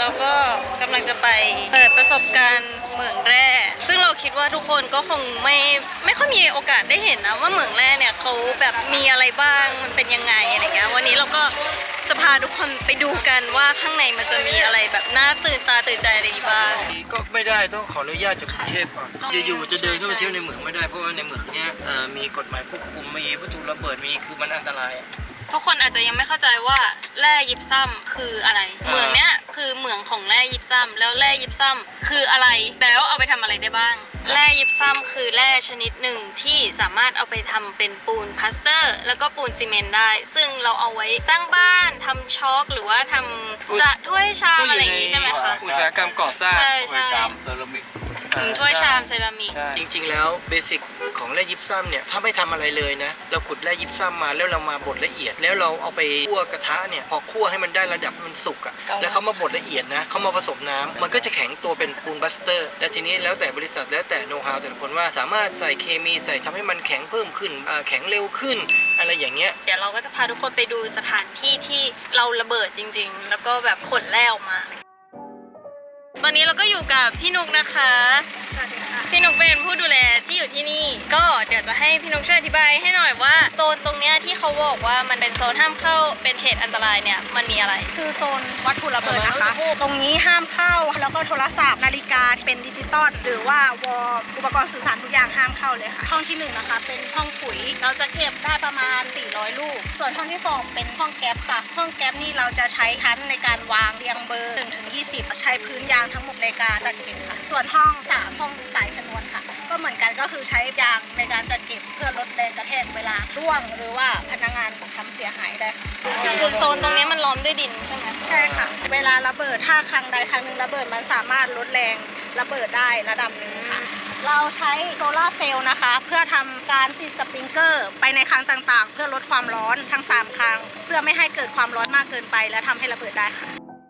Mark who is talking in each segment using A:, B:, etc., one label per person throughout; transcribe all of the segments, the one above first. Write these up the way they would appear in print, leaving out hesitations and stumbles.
A: เราก็กำลังจะไปเปิดประสบการณ์เหมืองแร่ซึ่งเราคิดว่าทุกคนก็คงไม่ค่อยมีโอกาสได้เห็นนะว่าเหมืองแร่เนี่ยเขาแบบมีอะไรบ้างมันเป็นยังไงอะไรเงี้ยวันนี้เราก็จะพาทุกคนไปดูกันว่าข้างในมันจะมีอะไรแบบน่าตื่นตาตื่นใจอะไรบ้าง
B: ก็ไม่ได้ต้องขออนุญาตจากกรุงเทพก่อนอยู่ๆจะเดินเข้าไปเที่ยวในเหมืองไม่ได้เพราะว่าในเหมืองเนี้ยมีกฎหมายควบคุมมีวัตถุระเบิดมีคือมันอันตราย
A: ทุกคนอาจจะยังไม่เข้าใจว่าแร่ยิปซัมคืออะไรเหมืองเนี้ยคือเหมืองของแร่ยิปซัมแล้วแร่ยิปซัมคืออะไรแล้วเอาไปทำอะไรได้บ้างแร่ยิปซัมคือแร่ชนิดหนึ่งที่สามารถเอาไปทำเป็นปูนพลาสเตอร์แล้วก็ปูนซีเมนต์ได้ซึ่งเราเอาไว้สร้างบ้านทำช็อคหรือว่าทำจะถ้วยชามอะไรอย่างนี้ใช่ไหมคะ
B: อุตสาหกรรมก่อสร้าง
A: ถ้วยชามเซรามิกถ้วยชามเซรามิก
B: จริงๆแล้วเบสิกของแร่ยิปซัมเนี่ยถ้าไม่ทำอะไรเลยนะเราขุดแร่ยิปซัมมาแล้วเรามาบดละเอียดแล้วเราเอาไปคั่วกระทะเนี่ยพอคั่วให้มันได้ระดับมันสุกอ่ะแล้วเขามาบดละเอียดนะเขามาผสมน้ำมันก็จะแข็งตัวเป็นปูนบัสเตอร์และทีนี้แล้วแต่บริษัทแล้วแต่โน้ตฮาวแต่ละคนว่าสามารถใส่เคมีใส่ทำให้มันแข็งเพิ่มขึ้นแข็งเร็วขึ้นอะไรอย่างเงี้ย
A: เดี๋ยวเราก็จะพาทุกคนไปดูสถานที่ที่เราระเบิดจริงๆแล้วก็แบบขนแร่ออกมาตอนนี้เราก็อยู่กับพี่นุกนะคะสวัสดีค่ะพี่นุกเป็นผู้ดูแลที่อยู่ที่นี่ก็เดี๋ยวจะให้พี่นุกช่วยอธิบายให้หน่อยว่าโซนตรงเนี้ยที่เขาบอกว่ามันเป็นโซนห้ามเข้าเป็นเขตอันตรายเนี่ยมันมีอะไร
C: คือโซนวัตถุระเบิดนะคะตรงนี้ห้ามเข้าแล้วก็โทรศัพท์นาฬิกาเป็นดิจิตอลหรือว่าวอลอุปกรณ์สื่อสารทุกอย่างห้ามเข้าเลยค่ะห้องที่1นะคะเป็นห้องปุ๋ยเราจะเก็บได้ประมาณ400ลูกส่วนห้องที่2เป็นห้องแก๊ปค่ะห้องแก๊ปนี่เราจะใช้ชั้นในการวางเรียงเบอร์1 ถึง 20ใช้พื้นยางทั้งหมดในการจัดเก็บค่ะส่วนห้อง3ห้องสายชนวนค่ะก็เหมือนกันก็คือใช้ยางในการจัดเก็บเพื่อลดแรงกระแทกเวลาร่วงหรือว่าพนักงานทำเสียหายได้ค่ะ
A: คือโซนตรงนี้มันล้อมด้วยดินใช่ไหม
C: ใช่ค่ะเวลาระเบิดถ้าครั้งใดครั้งหนึ่งระเบิดมันสามารถลดแรงระเบิดได้ระดับหนึ่งค่ะเราใช้โซลาร์เซลล์นะคะเพื่อทำการติดสปริงเกอร์ไปในครั้งต่างๆเพื่อลดความร้อนทั้ง3ครั้งเพื่อไม่ให้เกิดความร้อนมากเกินไปและทำให้ระเบิดได้ค่ะ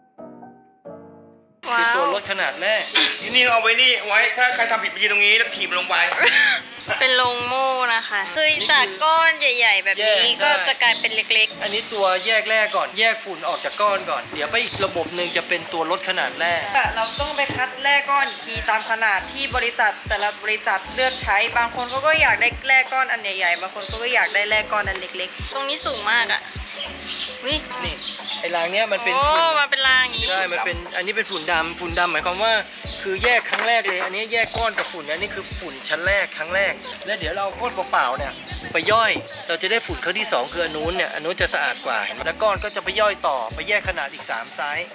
B: คือตัวลดขนาดแร่
D: ที่นี่เอาไว้นี่ไว้ถ้าใครทำผิดไปยืนตรงนี้แล้วถีบลงไป
A: เป็นโรงโม่นะคะคือจากก้อนใหญ่ๆแบบนี้ก็จะกลายเป็นเล็ก
B: ๆอันนี้ตัวแยกแร่ก่อนแยกฝุ่นออกจากก้อนก่อนเดี๋ยวไปอีกระบบหนึ่งจะเป็นตัวลดขนาดแร่
E: เราต้องไปคัดแร่ก้อนทีตามขนาดที่บริษัทแต่ละบริษัทเลือกใช้บางคนเขาก็อยากได้แร่ก้อนอันใหญ่ๆบางคนก็อยากได้แร่ก้อนอันเล็ก
A: ๆตรงนี้สูงมากอ่ะ
B: นี่ไอ้รางเนี้ยมันเป็นฝุ่น
A: มันเป็นรางอย่างนี้
B: ใช่มันเป็นอันนี้เป็นฝุ่นดำหมายความว่าคือแยกครั้งแรกเลยอันนี้แยกก้อนกับฝุ่นอันนี้คือฝุ่นชั้นแรกครั้งแรกแล้วเดี๋ยวเราก้อนเปล่าๆเนี่ยไปย่อยเราจะได้ฝุ่นครั้งที่2คืออันนู้นเนี่ยอันนู้นจะสะอาดกว่าเห็นไหมแล้วก้อนก็จะไปย่อยต่อไปแยกขนาดอีก3ไซส์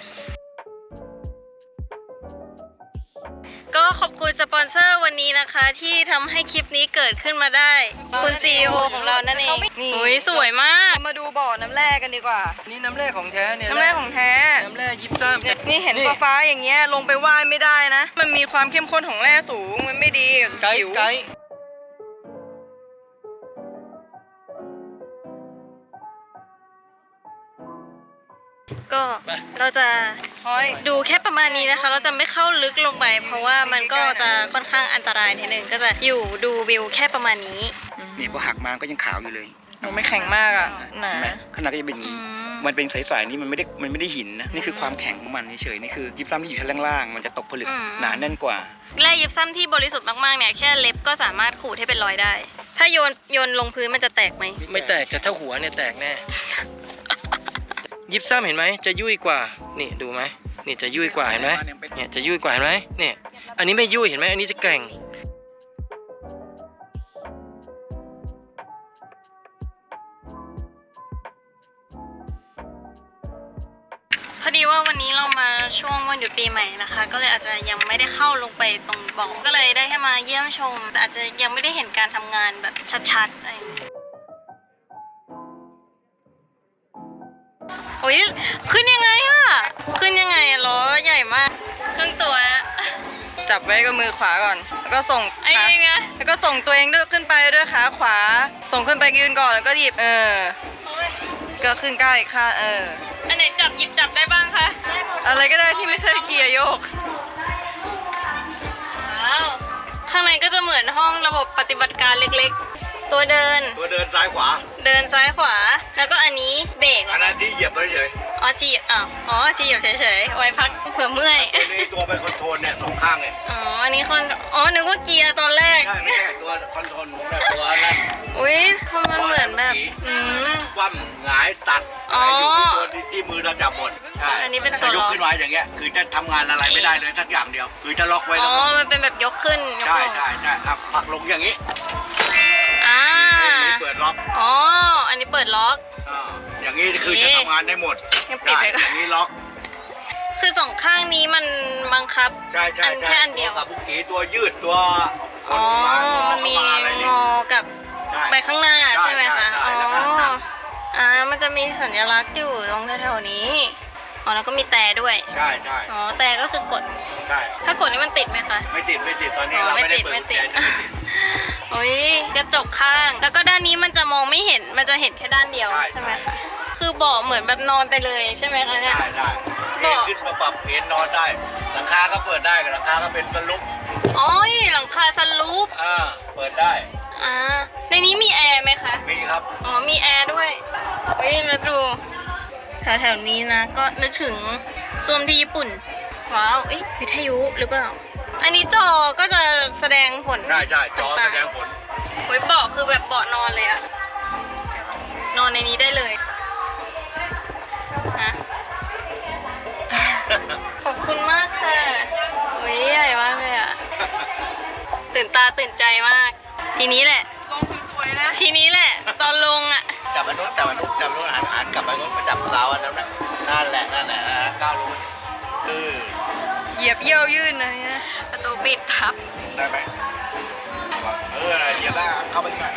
A: ก็ขอบคุณสปอนเซอร์วันนี้นะคะที่ทำให้คลิปนี้เกิดขึ้นมาได้คุณ CEO ของเรานั่นเองโอ้ยสวยมาก
E: มาดูบ่อน้ำแร่กันดีกว่า
B: นี่น้ำแร่ของแท้เนี่ย
E: น้ำแร่ของแท้
B: น้ำแร่ยิปซัม
E: นี่เห็นฟ้าๆอย่างเงี้ยลงไปว่ายไม่ได้นะมันมีความเข้มข้นของแร่สูงมันไม่ดีผิว
A: ก็เราจะดูแค่ประมาณนี้นะคะเราจะไม่เข้าลึกลงไปเพราะว่ามันก็จะค่อนข้างอันตรายนิดนึงก็จะอยู่ดูวิวแค่ประมาณนี้
D: นี่พอหักมาก็ยังขาวอยู่เลย
E: มันไม่แข็งมากอ่ะหนา
D: ขนาดก็จะเป็นอย่างนี้มันเป็นใสๆนี่มันไม่ได้หินนะนี่คือความแข็งของมันเฉยๆนี่คือยิปซัมที่อยู่ชั้นล่างๆมันจะตกผลึกหนาแน่นกว่า
A: แร่ยิปซัมที่บริสุทธิ์มากๆเนี่ยแค่เล็บก็สามารถขูดให้เป็นรอยได้ถ้าโยนลงพื้นมันจะแตกไหม
B: ไม่แตกแต่ถ้าหัวเนี่ยแตกแน่ยิปซัมเห็นไหมจะยุ่ยกว่านี่ดูไหมนี่จะยุ่ยกว่าเห็นไหมเนี่ยจะยุ่ยกว่าเห็นไหมเนี่ยอันนี้ไม่ยุ่ยเห็นไหมอันนี้จะแกร่ง
A: พอดีว่าวันนี้เรามาช่วงวันหยุดปีใหม่นะคะก็เลยอาจจะยังไม่ได้เข้าลงไปตรงบ่อก็เลยได้แค่มาเยี่ยมชมแต่อาจจะยังไม่ได้เห็นการทำงานแบบชัดๆอะไรโอ้ยขึ้นยังไงอะขึ้นยังไงอะล้อใหญ่มากครึ่งตัว
E: จับไว้กับมือขวาก่อนแล้วก็ส่งขาแล้วก็ส่งตัวเองด้วยขึ้นไปด้วยขาขวาส่งขึ้นไปยืนก่อนแล้วก็หยิบก็ขึ้นก้าวอีกข้าง
A: อันไหนหยิบจับได้บ้างคะ
E: อะไรก็ได้ที่ไม่ใช่เกียร์โยก
A: ว้าวข้างในก็จะเหมือนห้องระบบปฏิบัติการเล็กๆตัวเดิน
D: ซ้ายขวา
A: เดินซ้ายขวาแล้วก็อันนี้เบรก
D: อันนั้นที่เหยียบไปเฉย
A: อ๋อจีบอ๋อจีบเฉยๆไว้พักเผื่อเมื่อย
F: นี่ตัวเป็นคอนโทรลเนี่ยสองข้างเนี่ย
A: อ๋ออันนี้นึกว่าเกียร์ตอนแรก
F: ใช่ไม่ใช่ตัวคอนโทรลแบบตัวนั้น
A: อุ้ยมันเหมือนแบบม
F: คว่ำหงายตัด
A: อ๋อ
F: อยู่ที่ตัวที่มือเราจับหมดใช่
A: อันนี้เป็นตัว
F: ถ้าย
A: ล็
F: ก
A: อก
F: ขึ้นไว้อย่างเงี้ยคือจะทำงานอะไรไม่ได้เลยสักอย่างเดียว คือจะล็อกไว้
A: อ๋
F: แล้ว
A: อ
F: ก็
A: มันเป็นแบบยกขึ้นยก
F: ใช่
A: ลง
F: ใช่ใช่อ่ะผลักลงอย่างนี้
A: อ่า
F: นี่เปิดล็อก
A: อ๋ออันนี้เปิดล็อก
F: อ่าอย่างนี้คือจะทำงานได้หมด
A: ยังปิด
F: ได้
A: ไว้ก่อน
F: อย่างนี้ล็อก
A: คือสองข้างนี้มันบังคับ
F: ใช่ใช่
A: อัน
F: ใช่
A: แค่อันเดียว
F: ตัวกับบุกกีตัวยืดตัวก
A: อ๋อ
F: ดมาห
A: มันมี
F: เข้าาอะไร
A: ง
F: นี่
A: อกับ
F: ใช่
A: ไปข้างหน้า
F: ใช่
A: ใช่ไหมคะ
F: ใช่
A: อ๋อ
F: แล้วก็ตัด
A: มันจะมีสัญลักษณ์อยู่ตรงแถวๆนี้อ๋อแล้วก็มีแต่ด้วย
F: ใช่ใช่
A: อ๋อแต่ก็คือกด
F: ใช่
A: ถ้ากดนี่มันติดไหมคะ
F: ไม่ติดไม่ติดตอนนี้
A: อ๋อ
F: เราไม่ได้
A: ไม่
F: เปิด
A: ติด
F: กุญแจไม่ติด
A: โอ้ยกระจกข้าง แล้วก็ด้านนี้มันจะมองไม่เห็น มันจะเห็นแค่ด้านเดียว
F: ใช่
A: ใช่ไหม
F: ใช่
A: คะ คือเบาะเหมือนแบบนอนไปเลยใช่ไหมคะเนี่ย
F: ได้ได้
A: เบาะ
F: ขึ้นมาปรับเอนนอนได้ หลังคาก็เปิดได้กับหลังคาก็เป็นสลุป
A: อ๋อนี่หลังคาสลูป
F: เปิดได้
A: ในนี้มีแอร์ไหมคะ
F: มีครับ
A: อ๋อ มีแอร์ด้วยเฮ้ยแล้วดูแถวๆนี้นะ ก็นึกถึงส้วมที่ญี่ปุ่น ว้าวเอ้ยวิทยุหรือเปล่า อันนี้จอก็จะแสดงผล
F: ใช่ใช่จอ
A: ต่า
F: แส
A: งๆ
F: ดงผล
A: เฮ้ยเบาะคือแบบเบาะนอนเลยอะนอนในนี้ได้เลยฮะ ขอบคุณมากค่ะโอ้ยใหญ่มากเลยอะตื่นตาตื่นใจมาก ทีนี้แหละ
E: ลงสวยๆนะ
A: ทีนี้แหละ ตอนลงอะ
F: จับอันนู้นจับอันนู้นจับอันนู้นหันกลับไปนู้นมาจับเราอันนั้นนะนั่นแหละก้าวลงเออ
E: เหยียบเยี่ยวยื่นเลยนะ
A: ประตูปิดทับ
F: ได้ไหมเหยียบได้เข้าไปข้างใน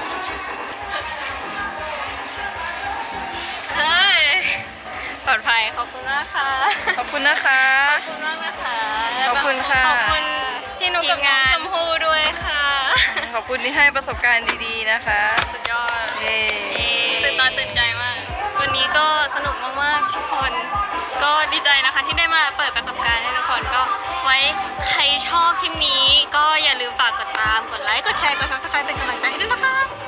A: เฮ้ย ปลอดภัย ขอบคุณมากค่ะ
E: ขอบคุณนะคะ
A: ขอบคุณมากนะคะ
E: ขอบคุณค่ะ
A: ขอบคุณพี่นุกกับน้องชมพู่ด้วยค่ะ
E: ขอบคุณที่ให้ประสบการณ์ดีๆนะคะ
A: สุดยอด
E: เย้
A: ตื่นตาตื่นใจมาก วันนี้ก็สนุกมากๆทุกคน ก็ดีใจนะคะที่ได้มาเปิดประสบการณ์ให้ทุกคนก็ไว้ใครชอบคลิปนี้ ก็อย่าลืมฝากกดตาม กดไลค์ กดแชร์ กด subscribe เป็นกำลังใจให้ด้วยนะคะ